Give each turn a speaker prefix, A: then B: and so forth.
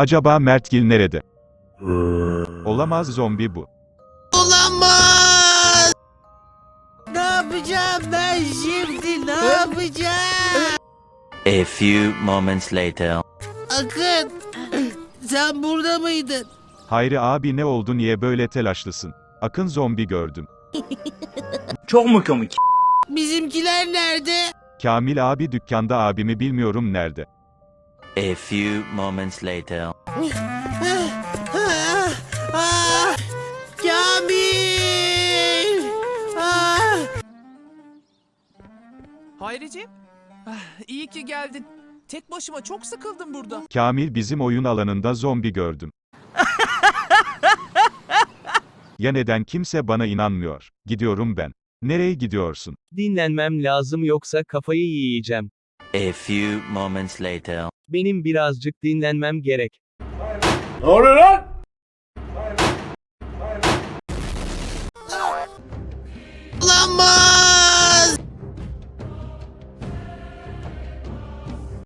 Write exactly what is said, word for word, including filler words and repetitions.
A: Acaba Mertgil nerede? Olamaz, zombi bu.
B: Olamaz! Ne yapacağım ben şimdi? Ne yapacağım?
C: A few moments later.
B: Akın, sen burada mıydın?
A: Hayri abi, ne oldu, niye böyle telaşlısın? Akın, zombi gördüm.
D: Çok mu komik?
B: Bizimkiler nerede?
A: Kamil abi dükkanda, abimi bilmiyorum nerede.
C: A few moments later.
B: Ah, ah, Kamil! Ah.
E: Hayriciğim, ah, iyi ki geldin. Tek başıma çok sıkıldım burada.
A: Kamil, bizim oyun alanında zombi gördüm. Ya neden kimse bana inanmıyor? Gidiyorum ben. Nereye gidiyorsun?
F: Dinlenmem lazım yoksa kafayı yiyeceğim.
C: A few moments later.
F: Benim birazcık dinlenmem gerek.
D: Ne oluyor lan?